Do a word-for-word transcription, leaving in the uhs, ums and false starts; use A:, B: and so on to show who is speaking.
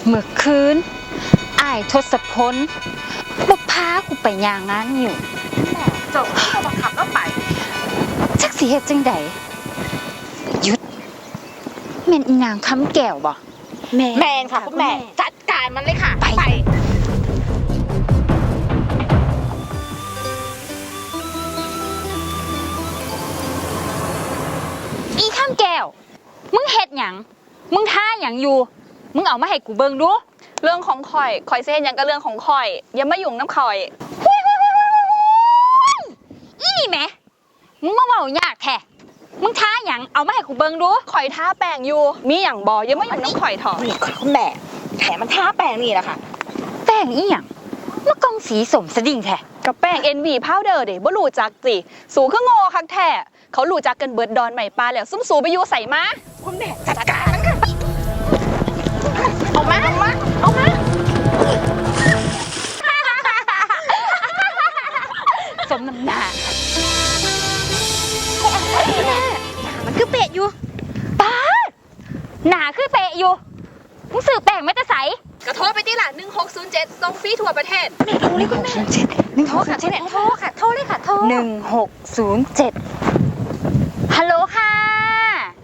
A: เมื่อคืนอ้ายทศพลบ่พากูไปย่างงานอยู่
B: เจ้าก็บังคับแล้วไป
A: จักสิเฮ็ดจังใดหยุดแม่นอีนางคำแก้วบ่
B: แมนค่ะคุณแม่จัดการมันเลยค่ะ
A: ไปอีคำแก้วมึงเฮ็ดหยังมึงท่าหยังอยู่มึงเอามาให้กูเบิ่งดู
C: เรื่องของข่อยข่อยสิเฮ็ดหยังก็เรื่องของข่อยอย่ามายุ่งน้ำข่อย
A: อีนี่แหมมึงมาเว้ายากแท้มึงท่าหยังเอามาให้กูเบิ่งดู
C: ข่อยทาแป้งอยู่มีหยังบ่อย่ามายุ่งน้ำข่อยเถอะ
B: นี่คุณแม่แถมมันทาแป้งนี่แหละค่ะ
A: แป้งอีหยังมากองสีสมสดิ่งแท้
C: กับแป้ง เอ็น วี Powder เด้บ่รู้จักจิสูคือโง่คักแท้เขารู้จักกันเบิดดอนใหม่ปลาแล้วซุ่มสูไปอยู่ใส่มา
B: คุณแม่จัดการมันค่ะ
C: เอามาเอามาเอามา
A: สมน้ำหน้า
B: มันคือเปะอยู่
A: ป้าหนาคือเปะอยู่มึงซื้อแป้งไม่จะใส
C: กระโทรไปที่หลังหนึ่งหกศูนย์เจ็ดส่งฟรีทั่วประเทศ
B: แม่โทรเลยคุณแม่
A: หนึ่งหกศูนย์เจ็ดโทรค่ะโทรเลยค่ะโทรหนึ่งหกศูนย์เจ็ดฮัลโหล